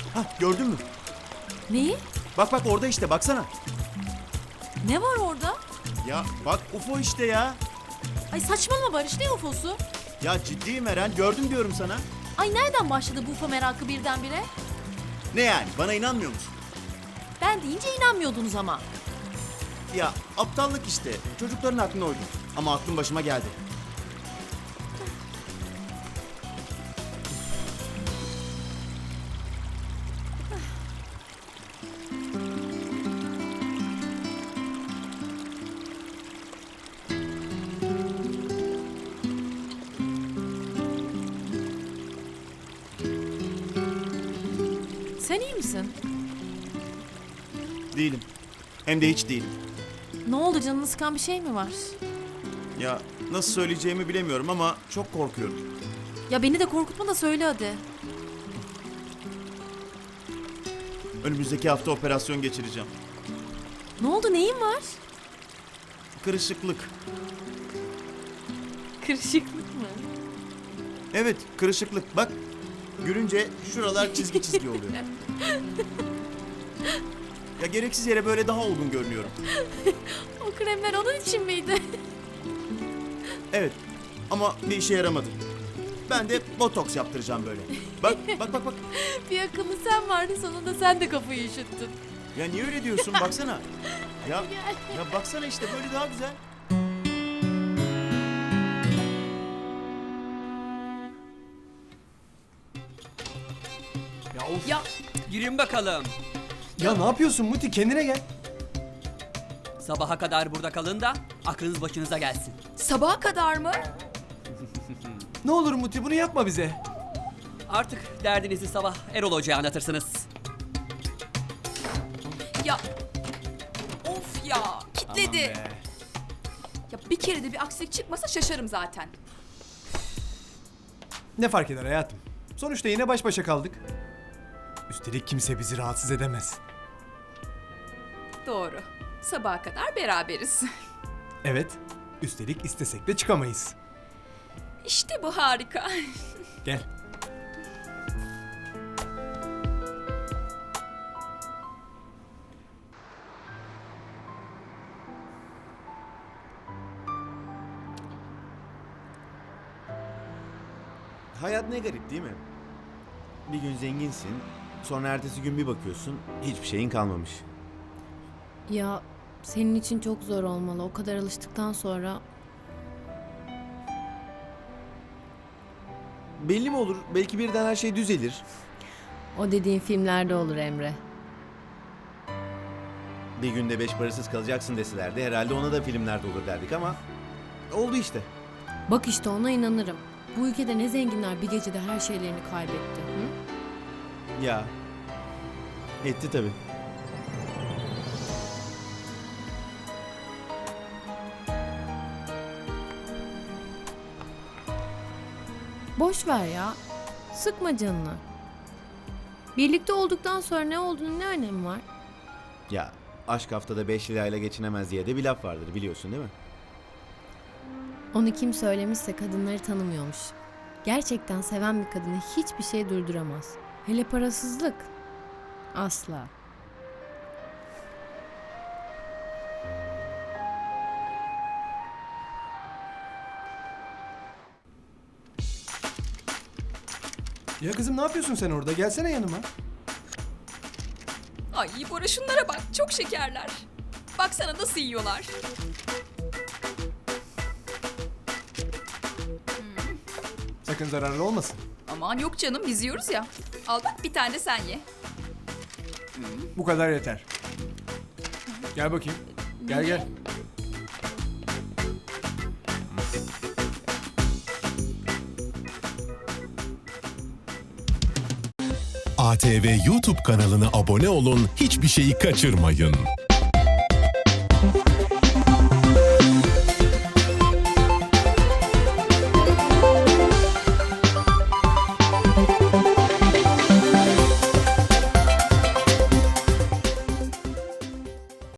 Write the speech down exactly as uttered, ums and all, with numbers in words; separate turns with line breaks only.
Hah, gördün mü?
Neyi?
Bak bak orada işte, baksana.
Ne var orada?
Ya bak U F O işte ya.
Ay saçmalama Barış, ne U F O'su?
Ya ciddiyim Eren, gördüm diyorum sana.
Ay nereden başladı bu U F O merakı birdenbire?
Ne yani, bana inanmıyor musun?
Ben deyince inanmıyordunuz ama.
Ya aptallık işte, çocukların aklına uydum. Ama aklım başıma geldi.
Sen iyi misin?
Değilim. Hem de hiç değilim.
Ne oldu, canını sıkan bir şey mi var?
Ya nasıl söyleyeceğimi bilemiyorum ama çok korkuyorum.
Ya beni de korkutma da söyle hadi.
Önümüzdeki hafta operasyon geçireceğim.
Ne oldu, neyin var?
Kırışıklık.
Kırışıklık mı?
Evet, kırışıklık. Bak, gülünce şuralar çizgi çizgi oluyor. Ya gereksiz yere böyle daha olgun görünüyorum.
O kremler onun için miydi?
Evet, ama bir işe yaramadı. Ben de botoks yaptıracağım böyle. Bak, bak, bak, bak.
Bir akıllı sen vardın, sonunda sen de kafayı üşüttün.
Ya niye öyle diyorsun? Baksana. Ya, ya baksana işte böyle daha güzel.
Ya of.
Ya girin bakalım.
Ya ne yapıyorsun Muti? Kendine gel.
Sabaha kadar burada kalın da aklınız başınıza gelsin.
Sabaha kadar mı?
Ne olur Muti bunu yapma bize.
Artık derdinizi sabah Erol Hoca'ya anlatırsınız.
Ya of ya kitledi.
Aman be.
Ya bir kere de bir aksilik çıkmasa şaşarım zaten.
Ne fark eder hayatım? Sonuçta yine baş başa kaldık. Üstelik kimse bizi rahatsız edemez.
Doğru. Sabaha kadar beraberiz.
Evet. Üstelik istesek de çıkamayız.
İşte bu harika.
Gel.
Hayat ne garip değil mi? Bir gün zenginsin, sonra ertesi gün bir bakıyorsun, hiçbir şeyin kalmamış.
Ya senin için çok zor olmalı. O kadar alıştıktan sonra
Belli mi olur? Belki birden her şey düzelir.
o dediğin filmlerde olur Emre.
Bir günde beş parasız kalacaksın deselerdi herhalde ona da filmlerde olur derdik ama oldu işte.
Bak işte ona inanırım. Bu ülkede ne zenginler bir gecede her şeylerini kaybetti. Hı?
Ya. Etti tabii.
Boş ver ya. Sıkma canını. Birlikte olduktan sonra ne olduğunun ne önemi var?
Ya aşk haftada beş lirayla geçinemez diye de bir laf vardır biliyorsun değil mi?
Onu kim söylemişse kadınları tanımıyormuş. Gerçekten seven bir kadını hiçbir şey durduramaz. Hele parasızlık. Asla.
Ya kızım ne yapıyorsun sen orada? Gelsene yanıma.
Ay Bora şunlara bak çok şekerler. Baksana nasıl yiyorlar.
Sakın zararlı olmasın.
Aman yok canım biz yiyoruz ya. Al bak bir tane de sen ye.
Bu kadar yeter. Gel bakayım. Gel gel.
A T V YouTube kanalına abone olun, hiçbir şeyi kaçırmayın.